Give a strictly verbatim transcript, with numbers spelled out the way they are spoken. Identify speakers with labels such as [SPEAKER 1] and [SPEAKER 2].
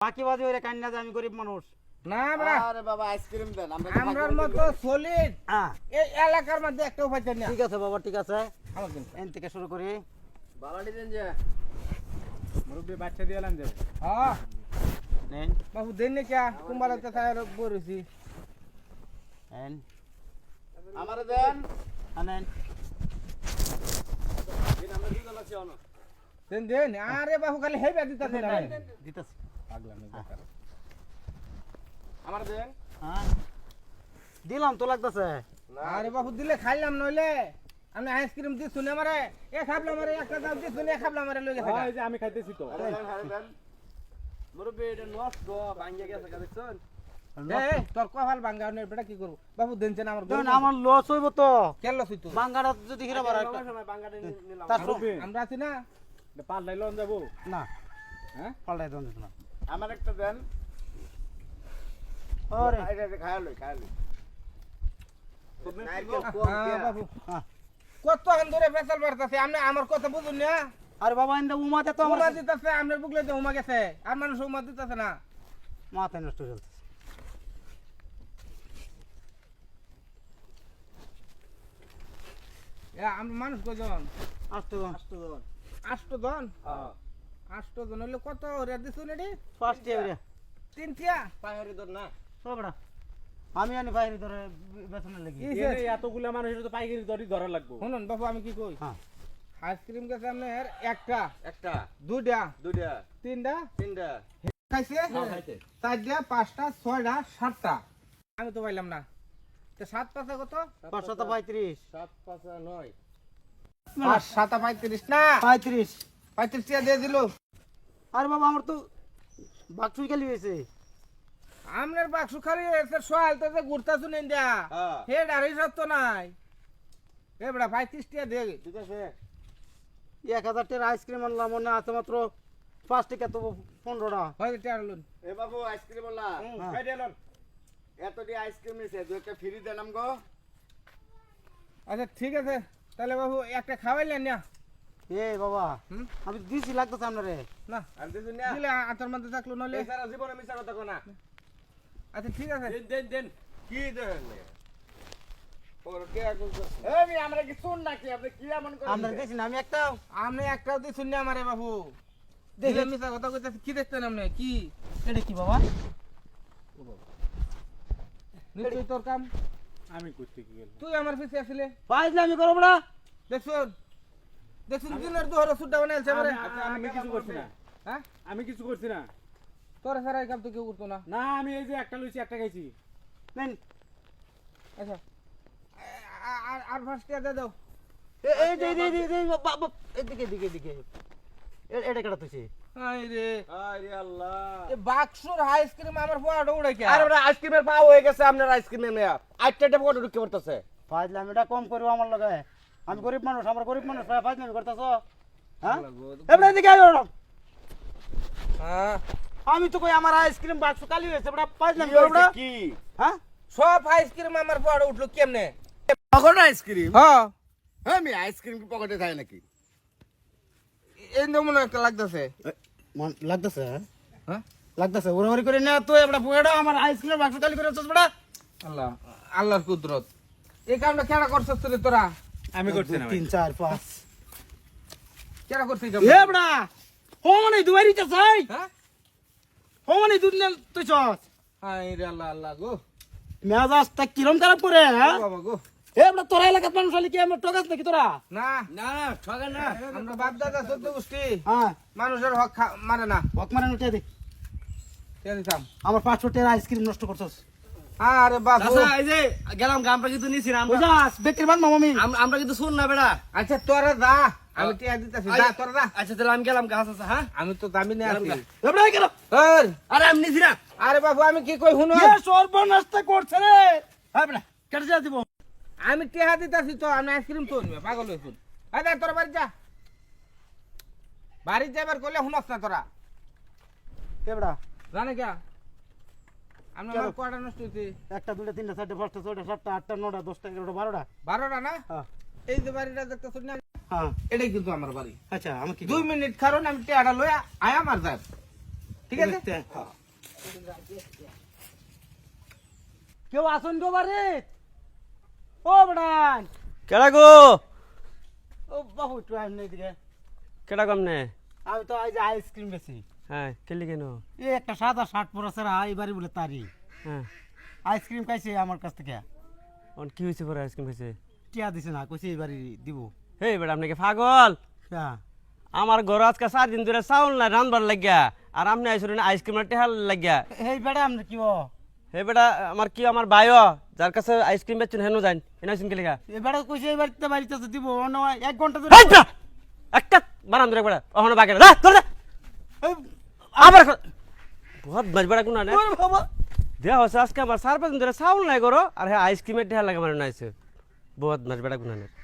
[SPEAKER 1] বাকি বাজে ওরে কান্না যে আমি গরিব মানুষ
[SPEAKER 2] না বড়া
[SPEAKER 3] আরে বাবা আইসক্রিম দেন আমরা
[SPEAKER 2] আমরার মতো সলিড
[SPEAKER 1] হ্যাঁ
[SPEAKER 2] এই এলাকার মধ্যে একটা উপায় না
[SPEAKER 1] ঠিক আছে বাবা ঠিক আছে
[SPEAKER 2] আমার দিন
[SPEAKER 1] এন থেকে শুরু করি
[SPEAKER 3] বালাডি দেন যে
[SPEAKER 4] মুরব্বি বাচ্চা দিলাম যে
[SPEAKER 2] হ্যাঁ
[SPEAKER 1] নেন
[SPEAKER 2] বাবু দেন না কে কুমারতে তাই বলেছি
[SPEAKER 1] এন
[SPEAKER 3] আমারে দেন
[SPEAKER 1] আনেন
[SPEAKER 3] দিন আমরা দুজন আছি অন
[SPEAKER 2] দেন দেন আরে বাবু খালি হেবে দিতা দেন
[SPEAKER 1] দিতেছি
[SPEAKER 4] পাগলা মেয়ে
[SPEAKER 3] আমারে দেন
[SPEAKER 1] হ্যাঁ দিলাম তো লাগতেছে
[SPEAKER 2] আরে বাবু দিলে খাইলাম নইলে আমি আইসক্রিম দি শুনে মারে এ খাবলাম মারে একটা দাও দি শুনে খাবলাম মারে লই গেছে
[SPEAKER 4] এই যে আমি খাইতেছি তো
[SPEAKER 3] আরে দেন আরে দেন মুরব্বি এটা নষ্ট ভাঙ্গিয়া গেছে দেখছেন
[SPEAKER 2] এ তোর কপাল ভাঙা নে বেটা কি করব বাবু দেনছেন আমার
[SPEAKER 1] দেন আমার লস হইব তো
[SPEAKER 2] কেন লস হইতো
[SPEAKER 1] বাঙ্গাটা যদি হিরা বাড়া
[SPEAKER 3] লঙ্কা সময় বাঙ্গাটা নিলাম
[SPEAKER 1] তার
[SPEAKER 4] মুরব্বি
[SPEAKER 2] আমরা আছি না
[SPEAKER 4] পাল্লাই লন যাবো
[SPEAKER 1] না
[SPEAKER 4] হ্যাঁ
[SPEAKER 1] পাল্টাই দেন না
[SPEAKER 3] আমার একটা দেন
[SPEAKER 1] ওরে
[SPEAKER 3] এটা খায়া লই খায়া লই নারকেল কোক
[SPEAKER 2] হ্যাঁ
[SPEAKER 3] দিয়া
[SPEAKER 2] বাবু
[SPEAKER 1] হ্যাঁ।
[SPEAKER 2] কত হান ধরে ফেসাল বাড়তাছে আপনি আমার কথা বুঝুন না
[SPEAKER 1] আরে বাবা ইন্দা উমাতে তো আমার
[SPEAKER 2] উমা দিতেছে আপনার বুকলে তো উমা গেছে আর মানুষ উমা দিতেছে না
[SPEAKER 1] মাথায় নষ্ট হয়ে যাচ্ছে
[SPEAKER 2] এ আমরা মানুষ কজন
[SPEAKER 1] আসতো
[SPEAKER 2] আষ্ট জন
[SPEAKER 3] হ্যাঁ
[SPEAKER 2] আষ্ট জন হলে কত রে দিছুন এডি
[SPEAKER 1] ফার্স্ট ইয়ারে
[SPEAKER 2] তিন টিয়া
[SPEAKER 3] পাহাড়ি দর না
[SPEAKER 1] সবড়া আমি আনি বাইরে ধরে বেতনের লাগি
[SPEAKER 2] কি
[SPEAKER 4] এনে এতগুলা মানুষের তো পাইকারি দরই ধরা লাগবো
[SPEAKER 2] শুনুন বাবু আমি কি কই
[SPEAKER 1] হ্যাঁ
[SPEAKER 2] আইসক্রিম গেছে আপনার একটা
[SPEAKER 3] একটা
[SPEAKER 2] দুইটা
[SPEAKER 3] দুইটা
[SPEAKER 2] তিনটা
[SPEAKER 3] তিনটা
[SPEAKER 2] খাইছে
[SPEAKER 3] খাইতে
[SPEAKER 2] চারটা পাঁচটা ছয়টা সাতটা আমি তো পাইলাম না তো সাত পাঁচা কত
[SPEAKER 1] পাঁচশো পঁয়ত্রিশ
[SPEAKER 3] সাত পাঁচ নয়
[SPEAKER 2] পাঁচ সাতা পঁয়ত্রিশ না
[SPEAKER 1] পঁয়ত্রিশ
[SPEAKER 2] পঁয়ত্রিশ টাকা দিয়ে দিল
[SPEAKER 1] আরে বাবা আমার তো বাক্সুই খালি হয়েছে
[SPEAKER 2] আমনের বাক্স খালি এসে সোয়াল তো যে ঘুরতা শুনেন দিয়া
[SPEAKER 3] হ্যাঁ
[SPEAKER 2] হে ডারি সত্য নাই এ বড়া পঁয়ত্রিশ টাকা দে
[SPEAKER 3] ঠিক আছে
[SPEAKER 1] এক হাজার টাকার আইসক্রিম আনলাম মনে আছে মাত্র পাঁচ টাকা তো পনেরোটা
[SPEAKER 2] হয়তো টাকা লুন
[SPEAKER 3] এ বাবু আইসক্রিম বলা
[SPEAKER 1] হ্যাঁ।
[SPEAKER 3] খাই দেন এত দি আইসক্রিম নিছে দুই একটা ফ্রি দেন আমগো
[SPEAKER 2] আচ্ছা ঠিক আছে তাহলে বাবু একটা খাওয়াইলেন না
[SPEAKER 1] এ বাবা
[SPEAKER 2] হুম?
[SPEAKER 1] আমি দিছি লাগতেছে আপনারে
[SPEAKER 2] না
[SPEAKER 3] আর দিছুন না
[SPEAKER 2] দিলে আচার মধ্যে থাকলো নলে
[SPEAKER 3] এই সারা জীবনে মিছা কথা কো না
[SPEAKER 2] আচ্ছা ঠিক আছে
[SPEAKER 3] দেন দেন দেন কি দেন ওর কে আগুন এ মি আমরা কি শুন নাকি আপনি কি এমন করেন
[SPEAKER 1] আপনার দিছি না আমি একটা
[SPEAKER 2] আপনি একটাও দিয়ে শুনলে আমারে বাবু দেখে মিশা কথা কইতেছে কি দেখতেন আপনি কি
[SPEAKER 1] এটা কি বাবা
[SPEAKER 2] নিশ্চয়ই তোর কাম
[SPEAKER 4] আমি করতে কি গেল
[SPEAKER 2] তুই আমার পিছে আসলে
[SPEAKER 1] পাইলে আমি করবো না
[SPEAKER 2] দেখছুন দেখছুন দিনের দুহর সুড্ডা বানাইছে আমারে
[SPEAKER 4] আচ্ছা, আমি কিছু করছি না
[SPEAKER 2] হ্যাঁ
[SPEAKER 4] আমি কিছু করছি না
[SPEAKER 2] তোর সারা এই কাম তো কেউ করতো না
[SPEAKER 4] না আমি এই যে একটা লইছি একটা খাইছি
[SPEAKER 1] নেন
[SPEAKER 2] আচ্ছা আ- আর আর ফার্স্ট দিয়ে দাও
[SPEAKER 1] এ- এই যে এই যে- এই যে- এই যে বাবা এদিকে এদিকে এদিকে এ- এটা কেটা তুইছে
[SPEAKER 2] আই রে
[SPEAKER 3] আরে আল্লাহ
[SPEAKER 2] এ বাক্সুর আইসক্রিম আমার পোয়াটা উড়ে কে
[SPEAKER 3] আরে ওরা আইসক্রিমের পাও হয়ে গেছে আপনার আইসক্রিমের মেয়া আটটা পকেটে ঢুকে পড়তেছে
[SPEAKER 1] পাইলে আমি এটা কম করবো আমার লগে আমি গরিব মানুষ আমার গরিব মানুষ পাইলে আমি করতেছ হ্যাঁ এবার এদিকে আয় ওরা।
[SPEAKER 2] হ্যাঁ
[SPEAKER 1] আমি তো কই আমার আইসক্রিম বাক্স খালি হয়েছে বড় পাইলে আমি করবো না
[SPEAKER 3] কি
[SPEAKER 1] হ্যাঁ
[SPEAKER 2] সব আইসক্রিম আমার পোয়াটা উঠলো কেমনে
[SPEAKER 3] পকেট আইসক্রিম
[SPEAKER 2] হ্যাঁ
[SPEAKER 3] হ্যাঁ আমি আইসক্রিম কি পকেটে থাকে নাকি
[SPEAKER 2] এই নমুনা একটা লাগতেছে
[SPEAKER 1] মন লাগতেছে
[SPEAKER 2] হ্যাঁ
[SPEAKER 1] লাগতেছে ওরা ওরি করে না তো এবড়া পুয়েডা আমার আইসক্রিম বাক্স খালি করে চস বড়া
[SPEAKER 2] আল্লাহ আল্লাহর কুদরত এই কামটা কেডা করছস রে তোরা
[SPEAKER 4] আমি করছি না ভাই।
[SPEAKER 1] তিন চার পাঁচ
[SPEAKER 2] কেডা করছিস
[SPEAKER 1] এ বড়া হোমনে দুয়ারি তো চাই
[SPEAKER 2] হ্যাঁ
[SPEAKER 1] হোমনে দুধ নে তুই চস
[SPEAKER 2] হাই রে আল্লাহ আল্লাহ গো
[SPEAKER 1] মেজাজ তা কিরম খারাপ করে হ্যাঁ
[SPEAKER 2] ও বাবা গো
[SPEAKER 1] এ বড়া তোরা এলাকার মানুষ হলি কি আমরা টকাস নাকি তোরা
[SPEAKER 2] না
[SPEAKER 3] না না ঠগে না
[SPEAKER 2] আমরা বাপ দাদা চোদ্দ গোষ্ঠী
[SPEAKER 1] হ্যাঁ
[SPEAKER 2] মানুষের হক খা- মানে না
[SPEAKER 1] হক মারে নোটে দে
[SPEAKER 2] কে দিতাম
[SPEAKER 1] আমার পাঁচশো টাকার আইসক্রিম নষ্ট করছস
[SPEAKER 2] আরে বাবু
[SPEAKER 3] আচ্ছা এই যে গেলাম আমরা কিন্তু নিছি না আমরা
[SPEAKER 1] বুঝাস বেকের বান মামি
[SPEAKER 3] আম- আমরা কিন্তু শুন না বেড়া
[SPEAKER 2] আচ্ছা তোরা দা আমি টিয়া দিতেছি দা তোরা দা
[SPEAKER 3] আচ্ছা তাহলে আমি গেলাম গাছ আছে হ্যাঁ
[SPEAKER 2] আমি তো দামি নিয়ে আসি
[SPEAKER 1] এ বড়া কেন
[SPEAKER 2] ওর,
[SPEAKER 3] আরে আমি নিছি না
[SPEAKER 2] আরে বাবু আমি কি কই শুনো
[SPEAKER 1] এ সর্বনাশটা করছে রে হ্যাঁ বড়া কেটে যা দিব
[SPEAKER 2] আমি টিয়া দিতেছি তো আমি আইসক্রিম তো নিবে পাগল হইছুন আয় দা তোরা বাড়ি যা বাড়ি যাবার করলে শুনস না তোরা
[SPEAKER 1] এ বড়া
[SPEAKER 2] জানে কে আমি
[SPEAKER 1] কেন?
[SPEAKER 2] আমার কয়টা নষ্ট হইছে
[SPEAKER 1] একটা দুইটা তিনটা চারটা পাঁচটা ছয়টা সাতটা আটটা নটা দশটা এগারোটা বারোটা
[SPEAKER 2] বারোটা না
[SPEAKER 1] হ্যাঁ
[SPEAKER 2] এই যে বাড়িটা দেখতেছ না
[SPEAKER 1] হ্যাঁ
[SPEAKER 2] এটাই কিন্তু আমার বাড়ি
[SPEAKER 1] আচ্ছা আমি কি
[SPEAKER 2] দুই মিনিট কারণ আমি টিয়াটা লই আয়া মার যাই ঠিক আছে
[SPEAKER 1] কেউ আসুন গো বাড়ি ও বেটান
[SPEAKER 5] কেডা গো
[SPEAKER 1] ও বাবু একটু আইন এদিকে
[SPEAKER 5] কেডা কম নে
[SPEAKER 1] আমি তো এই যে আইসক্রিম বেশি
[SPEAKER 5] হ্যাঁ কেলি কেন
[SPEAKER 1] এই একটা সাদা শার্ট পরেছে রা এই বাড়ি বলে তারি
[SPEAKER 5] হ্যাঁ
[SPEAKER 1] আইসক্রিম খাইছে আমার কাছ থেকে
[SPEAKER 5] অন কি হয়েছে পরে আইসক্রিম খাইছে
[SPEAKER 1] টিয়া দিছে না কইছে এই বাড়ি দিব
[SPEAKER 5] হে বেটা আপনি কি পাগল
[SPEAKER 1] হ্যাঁ
[SPEAKER 5] আমার ঘর আজকে চার দিন ধরে চাউল নাই রানবার লাগিয়া আর আপনি আইসুন আইসক্রিমের টেহাল লাগিয়া
[SPEAKER 1] এই বেটা আপনি কি বল
[SPEAKER 5] হে বেটা আমার কি আমার বায়ো যার কাছে আইসক্রিম বেচছেন হেন যান এনে আইসক্রিম কে লেগা
[SPEAKER 1] এই বেটা কইছে এই বাড়িতে বাড়িতে তো দিব অন্য এক ঘন্টা ধরে
[SPEAKER 5] হেই বেটা একটা বারান ধরে বেটা ওখানে বাকি না ধর দে
[SPEAKER 1] এই,
[SPEAKER 5] আবার বহুত বাজ বেটা কোন না
[SPEAKER 1] ওরে বাবা
[SPEAKER 5] দেয়া হচ্ছে আজকে আমার চার পাঁচ দিন ধরে চাউল নাই করো আর হ্যাঁ আইসক্রিমের টেহাল লাগে মানে নাইছে বহুত বাজ বেটা কোন না